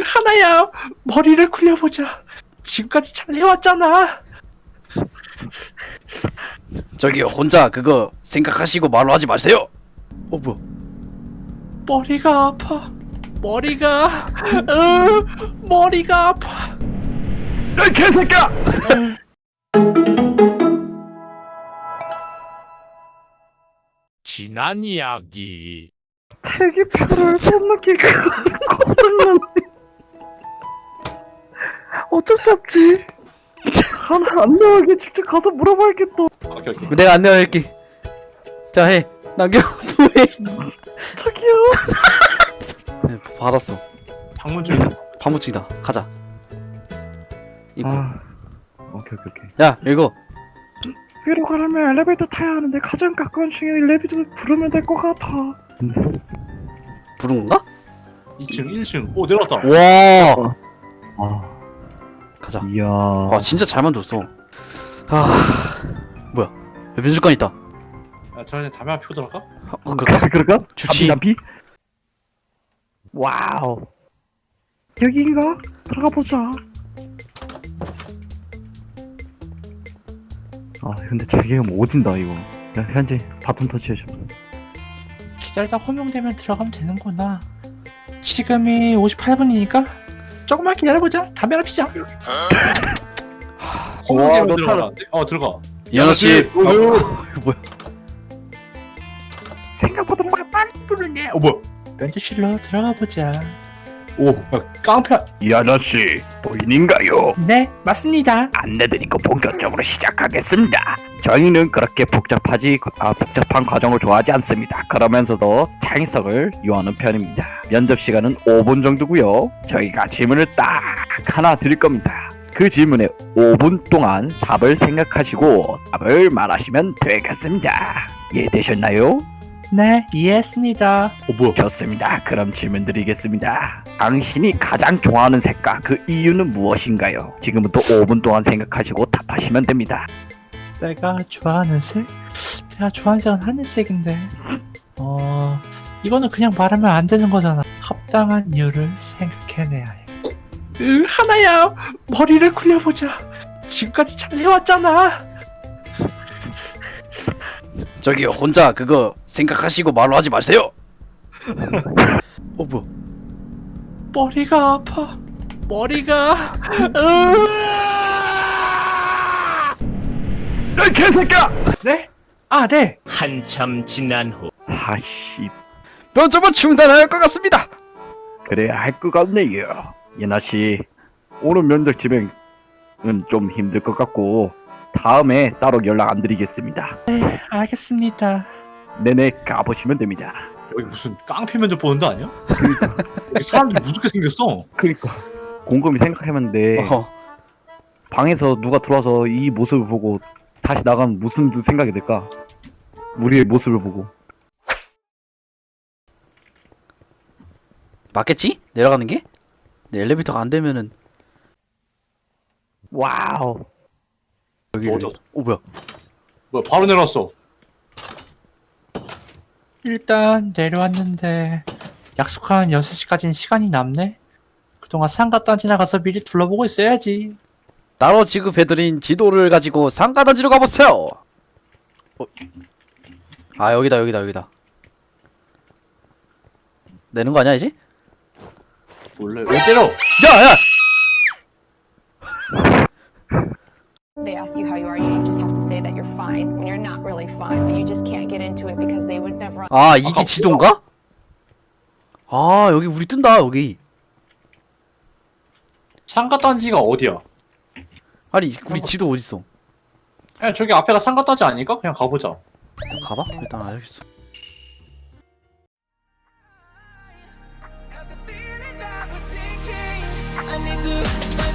하나야, 머리를 굴려보자. 지금까지 잘 해왔잖아. 저기 혼자 그거 생각하시고 말로 하지 마세요. 뭐야? 머리가 아파. 머리가 아파. 야 개새끼야! 지난 이야기. 대기표를 못 느끼고 고장났네. 어쩔 수 없지. 하나 안 나오게 직접 가서 물어봐야겠다. 오케이. 내가 안내할게. 자 해. 남겨. 해. 저기요. 네, 받았어. 방문 중이다. 파무치다. 가자. 이거. 오케이. 야 읽어. 위로 가려면 엘리베이터 타야 하는데 가장 가까운 중에 엘리베이터를 부르면 될 것 같아. 부른 건가? 2층, 1층. 오 내려왔다. 와. 가자. 이야. 아 진짜 잘 만들었어. 뭐야? 야, 면접관 있다. 야, 저한테 담배 하나 피고 들어갈까? 그럴까? 좋지. 담비? 와우. 여기인가? 들어가 보자. 아 근데 자기가 뭐 오진다 이거. 야 현재 바톤 터치해줘. 기다리다 호명되면 들어가면 되는구나. 지금이 58분이니까 조금만 기다려보자. 담배 하나 피자. 와, 너 들어가라는데? 들어가. 이현아 씨. 이거 뭐야? 생각보다 빨리 부르네. 뭐야? 면접실로 들어가 보자. 오, 야, 깡패. 이 아저씨 보이는가요? 네, 맞습니다. 안내드리고 본격적으로 시작하겠습니다. 저희는 그렇게 복잡한 과정을 좋아하지 않습니다. 그러면서도 창의성을 요하는 편입니다. 면접 시간은 5분 정도고요. 저희가 질문을 딱 하나 드릴 겁니다. 그 질문에 5분 동안 답을 생각하시고 답을 말하시면 되겠습니다. 이해되셨나요? 네, 이해했습니다. 뭐야? 좋습니다. 그럼 질문 드리겠습니다. 당신이 가장 좋아하는 색깔 그 이유는 무엇인가요? 지금부터 5분 동안 생각하시고 답하시면 됩니다. 내가 좋아하는 색? 내가 좋아하는 색은 하늘색인데. 이거는 그냥 말하면 안 되는 거잖아. 합당한 이유를 생각해내야 해. 하나야, 머리를 굴려보자. 지금까지 잘 해왔잖아. 저기 혼자 그거 생각하시고 말로 하지 마세요. 뭐야? 머리가 아파. 머리가. 야 개새끼야! 네? 아, 네. 한참 지난 후 아씨 면접은 중단할 것 같습니다. 그래야 할 것 같네요. 예나씨 오늘 면접 진행은 좀 힘들 것 같고 다음에 따로 연락 안 드리겠습니다. 알겠습니다. 내내 가보시면 됩니다. 여기 무슨 깡패 면접 보는 데 아니야? 여기 사람들이 무섭게 생겼어. 그러니까 곰곰이 생각해봤는데 방에서 누가 들어와서 이 모습을 보고 다시 나가면 무슨 생각이 들까? 우리의 모습을 보고. 맞겠지? 내려가는 게? 내 엘리베이터가 안 되면은 와우. 여기. 어디? 뭐야? 뭐야? 바로 내려왔어. 일단 내려왔는데 약속한 6시까지는 시간이 남네. 그동안 상가단 지나가서 미리 둘러보고 있어야지. 따로 지급해드린 지도를 가지고 상가단지로 가보세요. 아 여기다. 내는 거 아니야 이제? 원래 왜 때려? 야야! They ask you how you are, you just have to say that you're fine when you're not really fine, but you just can't get into it because they would never. 아 이게 지도인가? 아 여기 우리 뜬다 여기. 상가단지가 어디야? 아니 우리 지도 어딨어? 야, 저기 앞에가 상가단지 아닐까? 그냥 가보자. 가봐? 일단 알겠어. I need to